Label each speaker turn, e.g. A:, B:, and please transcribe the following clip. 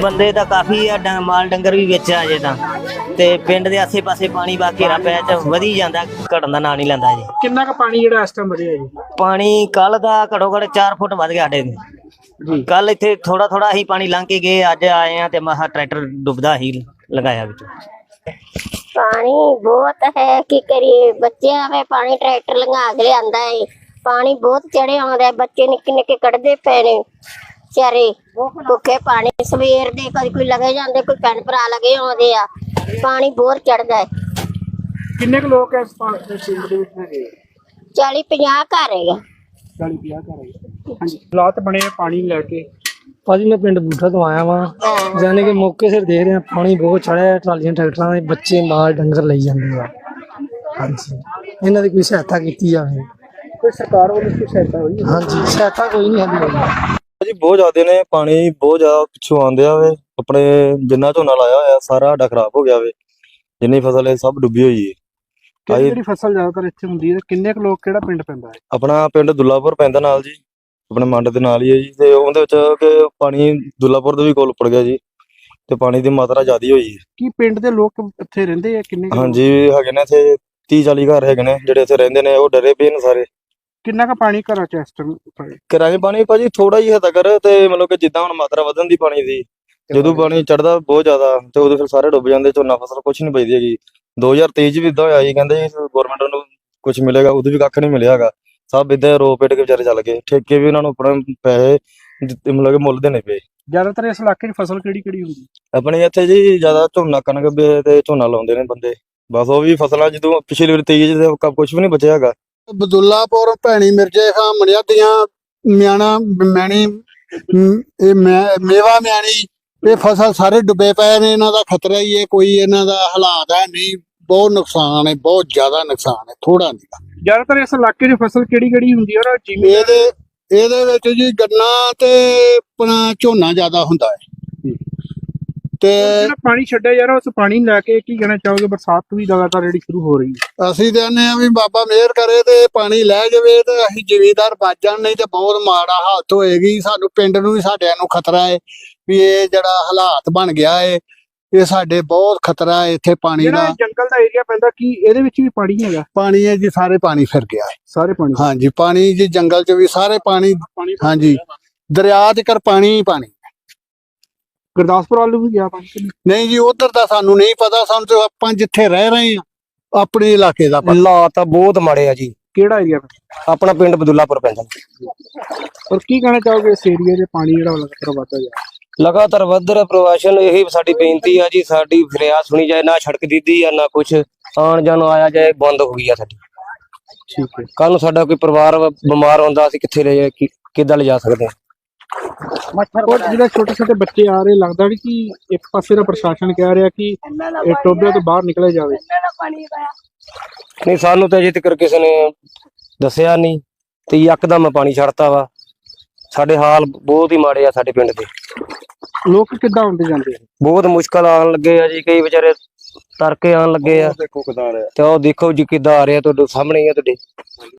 A: ਬੰਦੇ ਤਾਂ ਕਾਫੀ ਆ, ਮਾਲ ਡੰਗਰ ਵੀ ਵਿੱਚ ਆ ਜੇ ਤਾਂ ਤੇ ਪਿੰਡ ਦੇ ਆਸੇ ਪਾਸੇ ਪਾਣੀ ਬਾ ਘੇਰਾ ਪੈ ਚ ਵਧੀ ਜਾਂਦਾ, ਘਟਣ ਦਾ ਨਾਂ ਨਹੀਂ ਲੈਂਦਾ ਜੀ।
B: ਕਿੰਨਾ ਕੁ ਪਾਣੀ ਜਿਹੜਾ ਇਸ ਟਾਈਮ ਵਧਿਆ ਜੀ?
A: ਪਾਣੀ ਕੱਲ ਦਾ ਘੱਟੋ ਘੱਟ 4 ਫੁੱਟ ਵੱਧ ਗਿਆ ਸਾਡੇ
B: ਜੀ
A: ਕੱਲ ਇੱਥੇ ਥੋੜਾ ਥੋੜਾ ਹੀ ਪਾਣੀ ਲੰਘ ਕੇ ਗਏ, ਅੱਜ ਆਏ ਆ ਤੇ ਮਹਾ ਟਰੈਕਟਰ ਡੁੱਬਦਾ ਹੀ ਲਗਾਇਆ ਵਿੱਚ।
C: पानी बहुत है की करिए, बच्चे हमें पानी ट्रैक्टर लंघा के लियांदा है। पानी बहुत चढ़े आउंदा है, बच्चे निक्के निक्के कढ़दे पे ने बेचारे भुखे पानी सवेर दे, कदी कोई लगे जांदे, कोई भैन भरा लगे आउंदे आ। पानी बहुत चढ़दा है।
B: किन्ने कुछ लोग इस पिंड ਦੇ ਵਿੱਚ ਹੈਗੇ?
C: 40-50 घर है।
B: 40-50 ਘਰ ਹੈਗੇ। ਹਾਂਜੀ, ਹਾਲਾਤ ਬਣੇ ਆ ਪਾਣੀ ਲੈ ਕੇ।
D: ਭਾਜੀ ਮੈਂ ਪਿੰਡ ਬੂਠਾ ਤੋਂ ਆਇਆ ਵਾਂ, ਜਾਨੇ ਕਿ ਮੌਕੇ ਸਿਰ ਦੇਖ ਰਿਹਾ ਪਾਣੀ ਬਹੁਤ ਚੜਿਆ, ਟਰਾਲੀਆਂ ਟਰੈਕਟਰਾਂ ਦੇ ਬੱਚੇ ਮਾਲ ਡੰਗਰ ਲਈ ਜਾਂਦੇ ਆ। ਹਾਂਜੀ, ਇਹਨਾਂ ਦੀ ਕੋਈ ਸਹਾਇਤਾ ਕੀਤੀ ਜਾਵੇ।
B: ਕੋਈ ਸਰਕਾਰ ਵੱਲੋਂ ਕੋਈ ਸਹਾਇਤਾ ਹੋਈ?
D: ਹਾਂਜੀ, ਸਹਾਇਤਾ ਕੋਈ ਨਹੀਂ ਹੈਗੀ
E: ਜੀ। ਬਹੁਤ ਜ਼ਿਆਦਾ ਨੇ, ਪਾਣੀ ਬਹੁਤ ਜ਼ਿਆਦਾ ਪਿੱਛੋਂ ਆਉਂਦਿਆ ਵੇ। ਆਪਣੇ ਜਿੰਨਾ ਝੋਨਾ ਲਾਇਆ ਹੋਇਆ ਸਾਰਾ ਸਾਡਾ ਖਰਾਬ ਹੋ ਗਿਆ ਵੇ, ਜਿੰਨੀ ਫਸਲ ਹੈ ਸਭ ਡੁੱਬੀ ਹੋਈ ਹੈ।
B: ਕਿਹੜੀ ਫਸਲ ਜ਼ਿਆਦਾਤਰ ਇੱਥੇ ਹੁੰਦੀ ਹੈ? ਕਿੰਨੇ ਕੁ ਲੋਕ, ਕਿਹੜਾ ਪਿੰਡ ਪੈਂਦਾ ਹੈ?
E: ਆਪਣਾ ਪਿੰਡ ਦੁੱਲਾਪੁਰ ਪੈਂਦਾ ਨਾਲ ਜੀ, ਆਪਣੇ ਮੰਡ ਦੇ ਨਾਲ ਹੀ ਹੈ ਜੀ। ਤੇ ਉਹਦੇ ਵਿੱਚ ਕਿ ਪਾਣੀ ਦੁੱਲਾਪੁਰ ਦੇ ਵੀ ਕੋਲ ਉੱਪੜ ਗਿਆ ਜੀ, ਤੇ ਪਾਣੀ ਦੀ ਮਾਤਰਾ ਜ਼ਿਆਦਾ ਹੋਈ ਹੈ।
B: ਕੀ ਪਿੰਡ ਦੇ ਲੋਕ ਇੱਥੇ ਰਹਿੰਦੇ ਆ? ਕਿੰਨੇ
E: ਹਾਂਜੀ ਹੈਗੇ ਨੇ ਇੱਥੇ 30-40 ਘਰ ਹੈਗੇ ਨੇ ਜਿਹੜੇ ਇੱਥੇ ਰਹਿੰਦੇ ਨੇ, ਉਹ ਡਰੇ ਪਏ ਨੇ ਸਾਰੇ।
B: ਕਿੰਨਾ ਕੁ ਪਾਣੀ ਘਰਾਂ ਚ ਇਸ ਟਾਈਮ?
E: ਘਰਾਂ 'ਚ ਪਾਣੀ ਭਾਜੀ ਥੋੜਾ ਹੀ ਹੈ ਤੱਕਰ, ਤੇ ਮਤਲਬ ਕਿ ਜਿੱਦਾਂ ਹੁਣ ਮਾਤਰਾ ਵਧਣ ਦੀ ਪਾਣੀ ਦੀ, ਜਦੋਂ ਪਾਣੀ ਚੜਦਾ ਬਹੁਤ ਜ਼ਿਆਦਾ ਤੇ ਉਦੋਂ ਫਿਰ ਸਾਰੇ ਡੁੱਬ ਜਾਂਦੇ, ਝੋਨਾ ਫਸਲ ਕੁਛ ਨਹੀਂ ਬਚਦੀ ਹੈਗੀ। 2023 ਚ ਵੀ ਇਦਾਂ ਹੋਇਆ ਜੀ, ਕਹਿੰਦੇ ਗਵਰਨਮੈਂਟ ਨੂੰ ਕੁਛ ਮਿਲੇਗਾ, ਉਦੋਂ ਵੀ ਕੱਖ ਨਹੀਂ ਮਿਲਿਆ ਹੈਗਾ। ਸਭ ਇਦਾਂ ਰੋ ਪੇਟ ਕੇ ਵਿਚਾਰੇ ਚੱਲ ਗਏ, ਠੇਕੇ ਵੀ ਉਹਨਾਂ ਨੂੰ ਆਪਣੇ ਪੈਸੇ ਮਤਲਬ ਕਿ ਮੁੱਲ ਦੇਣੇ ਪਏ।
B: ਜ਼ਿਆਦਾਤਰ ਇਸ ਇਲਾਕੇ 'ਚ ਫਸਲ ਕਿਹੜੀ ਹੁੰਦੀ?
E: ਆਪਣੇ ਇੱਥੇ ਜੀ ਜ਼ਿਆਦਾ ਝੋਨਾ, ਕਣਕ ਤੇ ਝੋਨਾ ਲਾਉਂਦੇ ਨੇ ਬੰਦੇ, ਬਸ ਉਹ ਵੀ ਫਸਲਾਂ ਜਦੋਂ ਪਿਛਲੀ ਵਾਰ 23 ਚ ਕੁਛ ਵੀ ਨਹੀਂ ਬਚਿਆ ਹੈਗਾ।
F: ਬਦੁੱਲਾਪੁਰ, ਭੈਣੀ, ਮਿਰਜੇ ਖਾਂ, ਮਣਿਆਦੀਆਂ, ਮਿਆਣਾ, ਮੈਣੀ, ਇਹ ਮੇਵਾ ਮਿਆਣੀ, ਇਹ ਫਸਲ ਸਾਰੇ ਡੁੱਬੇ ਪਏ ਨੇ। ਇਹਨਾਂ ਦਾ ਖਤਰਾ ਹੀ ਹੈ, ਕੋਈ ਇਹਨਾਂ ਦਾ ਹਾਲਾਤ ਹੈ ਨਹੀਂ। ਬਹੁਤ ਨੁਕਸਾਨ ਹੈ, ਬਹੁਤ ਜ਼ਿਆਦਾ ਨੁਕਸਾਨ ਹੈ, ਥੋੜਾ ਨਹੀਂ।
B: ਜ਼ਿਆਦਾਤਰ ਇਸ ਇਲਾਕੇ 'ਚ ਫਸਲ ਕਿਹੜੀ ਹੁੰਦੀ ਹੈ?
F: ਇਹਦੇ ਵਿੱਚ ਜੀ ਗੰਨਾ ਤੇ ਆਪਣਾ ਝੋਨਾ ਜ਼ਿਆਦਾ ਹੁੰਦਾ ਹੈ। ਤੇ
B: ਜਿਹੜਾ ਪਾਣੀ ਛੱਡਿਆ ਯਾਰ, ਉਸ ਪਾਣੀ ਲੈ ਕੇ ਕੀ ਕਹਿਣਾ ਚਾਹੋਗੇ? ਬਰਸਾਤ ਵੀ ਲਗਾਤਾਰ ਜਿਹੜੀ ਸ਼ੁਰੂ ਹੋ ਰਹੀ ਹੈ,
F: ਅਸੀਂ ਕਹਿੰਦੇ ਆ ਵੀ ਬਾਬਾ ਮਿਹਰ ਕਰੇ ਤੇ ਪਾਣੀ ਲੈ ਜਾਵੇ ਤੇ ਅਸੀਂ ਜ਼ਿਮੀਂਦਾਰ ਬਚ ਜਾਣ, ਨਹੀਂ ਤੇ ਬਹੁਤ ਮਾੜਾ ਹਾਲਤ ਹੋਏਗੀ। ਸਾਨੂੰ ਪਿੰਡ ਨੂੰ ਵੀ, ਸਾਡਿਆਂ ਨੂੰ ਖਤਰਾ ਹੈ ਵੀ ਇਹ ਜਿਹੜਾ ਹਾਲਾਤ ਬਣ ਗਿਆ ਹੈ, ਇਹ ਸਾਡੇ ਬਹੁਤ ਖਤਰਾ ਹੈ ਇੱਥੇ ਪਾਣੀ ਦਾ।
B: ਜੰਗਲ ਦਾ ਏਰੀਆ ਪੈਂਦਾ, ਕੀ ਇਹਦੇ ਵਿੱਚ ਵੀ ਪਾਣੀ ਹੈਗਾ?
F: ਪਾਣੀ ਹੈ ਜੀ, ਸਾਰੇ ਪਾਣੀ ਫਿਰ ਗਿਆ ਹੈ,
B: ਸਾਰੇ ਪਾਣੀ।
F: ਹਾਂਜੀ, ਪਾਣੀ ਜੀ ਜੰਗਲ 'ਚ ਵੀ ਸਾਰੇ ਪਾਣੀ। ਹਾਂਜੀ, ਦਰਿਆ 'ਚ ਕਰ ਪਾਣੀ ਹੀ ਪਾਣੀ।
B: ਗੁਰਦਾਸਪੁਰ ਵੱਲ ਵੀ ਗਿਆ ਪਾਣੀ?
F: ਨਹੀਂ ਜੀ, ਉਧਰ ਦਾ ਸਾਨੂੰ ਨਹੀਂ ਪਤਾ। ਸਾਨੂੰ ਤੇ ਆਪਾਂ ਜਿੱਥੇ ਰਹਿ ਰਹੇ ਆ ਆਪਣੇ ਇਲਾਕੇ ਦਾ ਪਤਾ।
D: ਹਾਲਾਤ ਤਾਂ ਬਹੁਤ ਮਾੜੇ ਆ ਜੀ।
B: ਕਿਹੜਾ ਏਰੀਆ?
D: ਆਪਣਾ ਪਿੰਡ ਬਦੁੱਲਾਪੁਰ ਪੈਂਦਾ।
B: ਔਰ ਕੀ ਕਹਿਣਾ ਚਾਹੋਗੇ ਇਸ ਏਰੀਆ ਦੇ ਪਾਣੀ ਜਿਹੜਾ ਲਗਾਤਾਰ ਵੱਧਦਾ ਜਾ ਰਿਹਾ?
D: ਲਗਾਤਾਰ ਵੱਧ ਰਿਹਾ ਪ੍ਰਵਾਸ਼ਨ, ਇਹੀ ਸਾਡੀ ਬੇਨਤੀ ਆ ਜੀ, ਸਾਡੀ ਫਰਿਆਦ ਸੁਣੀ ਜਾਏ। ਨਾ ਸੜਕ ਦਿੱਦੀ ਆ, ਨਾ ਕੁਛ ਆਉਣ ਜਾਣ ਆਇਆ ਜਾਏ, ਬੰਦ ਹੋ ਗਈ ਆ ਸਾਡੀ।
B: ਠੀਕ ਹੈ।
D: ਕੱਲ ਨੂੰ ਸਾਡਾ ਕੋਈ ਪਰਿਵਾਰ ਬਿਮਾਰ ਹੁੰਦਾ, ਅਸੀਂ ਕਿੱਥੇ ਲੈ ਜਾ, ਕਿੱਦਾਂ ਲਿਜਾ ਸਕਦੇ ਹਾਂ?
B: ਔਰ ਜਿਹੜੇ ਛੋਟੇ ਛੋਟੇ ਬੱਚੇ ਆ ਰਹੇ, ਲੱਗਦਾ ਵੀ ਕਿ ਇੱਕ ਪਾਸੇ ਦਾ ਪ੍ਰਸ਼ਾਸਨ ਕਹਿ ਰਿਹਾ ਕਿ ਇਹ ਟੋਬੇ ਤੋਂ ਬਾਹਰ ਨਿਕਲਿਆ ਜਾਵੇ।
D: ਨਹੀਂ, ਸਾਨੂੰ ਤਾਂ ਅਜੇ ਤੱਕ ਕਿਸੇ ਨੇ ਦੱਸਿਆ ਨਹੀਂ, ਤੇ ਯਕਦਮ ਪਾਣੀ ਛੱਡਤਾ ਵਾ। ਸਾਡੇ ਹਾਲ ਬਹੁਤ ਹੀ ਮਾੜੇ ਆ ਸਾਡੇ ਪਿੰਡ ਦੇ।
B: ਲੋਕ ਕਿੱਦਾਂ ਆਉਂਦੇ ਜਾਂਦੇ?
D: ਬਹੁਤ ਮੁਸ਼ਕਲ ਆਉਣ ਲੱਗੇ ਆ ਜੀ, ਕਈ ਵਿਚਾਰੇ ਤਰਕੇ ਆਉਣ ਲੱਗੇ ਆ।
E: ਦੇਖੋ ਕਿਦਾਂ ਆ ਰਿਹਾ,
D: ਤੇ ਉਹ ਦੇਖੋ ਜੀ ਕਿੱਦਾਂ ਆ ਰਿਹਾ, ਤੁਹਾਡੇ ਸਾਹਮਣੇ ਹੀ ਆ ਤੁਹਾਡੇ।